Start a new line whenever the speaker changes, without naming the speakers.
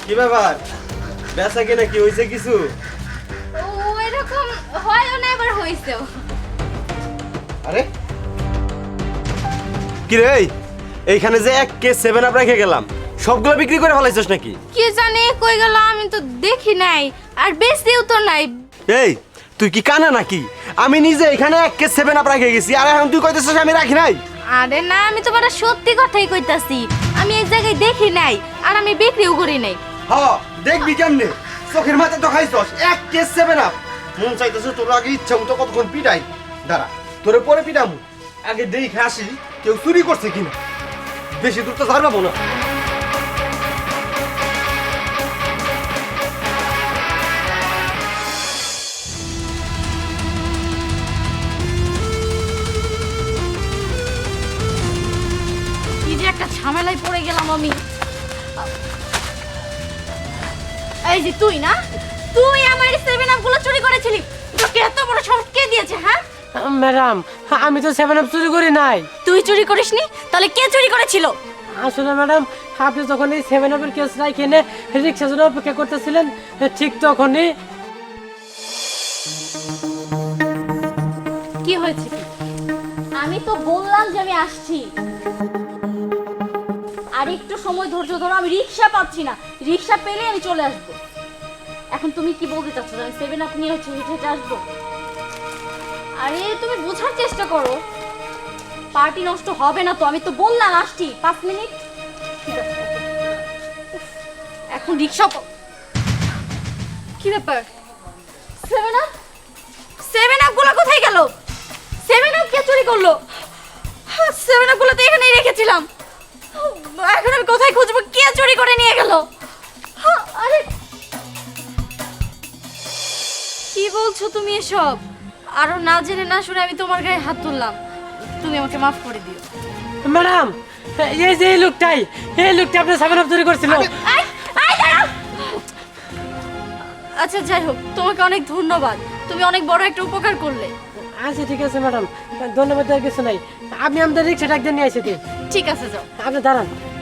কি ব্যাপার? বেচা কিনা কি হয়েছে কিছু?
ওই রকম হয়ও না, এবার হইছেও।
আরে কি রে, এইখানে যে এক কেস 7 আপ রেখে গেলাম, সবগুলো বিক্রি করে ফেলাইছস নাকি?
কি জানি কই গেল, আমি তো দেখি নাই, আর বেশিও তো নাই।
এই তুই কি কানা নাকি? আমি নিজে এখানে এক কেস 7 আপ রেখে গেছি, আর এখন তুই কইতেছস আমি রাখি নাই?
আরে না, আমি তোমার সত্যি কথাই কইতাছি। আমি এই জায়গায় দেখি নাই, আর আমি বিক্রিও করি নাই।
হ্যাঁ দেখবি কেমনে, চোখের মাথা তো খাইছস এক কেস 7 আপ। মন চাইতেছে তোর আগে ইচ্ছা মতো কতক্ষণ পিটাই। দাঁড়া, তোরে পরে পিটামু, আগে দেখে আসি কেউ চুরি করছে কিনা। বেশি দূর তো ঝাড়বাবো না।
কি যে একটা ঝামেলায় পড়ে গেলাম আমি। এই যে তুই না, তুই আমার 7 আপ গুলো চুরি করেছিলি। তোকে এত বড় সাহস কে দিয়েছে? হ্যাঁ
ম্যাডাম, আমি তো 7 আপ চুরি করি নাই।
তুই চুরি করিসনি, তাহলে কে চুরি করেছিল?
আসলে ম্যাডাম, আপনি যখন এই 7 আপের কেস রাখে এনে রিক্সার জন্য অপেক্ষা করতেছিলেন, ঠিক তখনই।
কি হয়েছে কি? আমি তো বললাম যে আমি আসছি, আর একটু সময় ধৈর্য ধরো। আমি রিক্সা পাচ্ছি না, রিক্সা পেলে আমি চলে আসবো। এখন তুমি কি বলতে চাচ্ছ? আমি 7 আপ নিয়ে হচ্ছে হেঁটে হেঁটে আসবো? আরে তুমি বোঝার চেষ্টা করো, পার্টি নষ্ট হবে না তো। আমি তো বললাম আসছি, 5 মিনিট। ঠিক আছে, উফ, এখন রিক্সা কি ব্যাপার? 7 আপ 7 আপ গুলো কোথায় গেল? 7 আপ কে চুরি করলো? 7 আপ গুলো তো এখানেই রেখেছিলাম। এখন আমি কোথায় খুঁজবো? কে চুরি করে নিয়ে গেল? আরে কি বলছো তুমি এসব? আরো না জেনে না শুনে আমি তোমার গায়ে হাত তুললাম। তুমি আমাকে মাফ করে দিও।
ম্যাডাম, এই যে এই লোকটা আপনার 7 আপ চুরি করছিল।
আই আই দাঁড়াও। আচ্ছা যাই হোক, তোমাকে অনেক ধন্যবাদ। তুমি অনেক বড় একটা উপকার করলে।
আচ্ছা ঠিক আছে ম্যাডাম, ধন্যবাদ আর কিছু নাই। আপনি আমাদের রিক্সাটা একদিন নিয়ে এসেছি।
ঠিক আছে, যাও।
আপনি দাঁড়ান।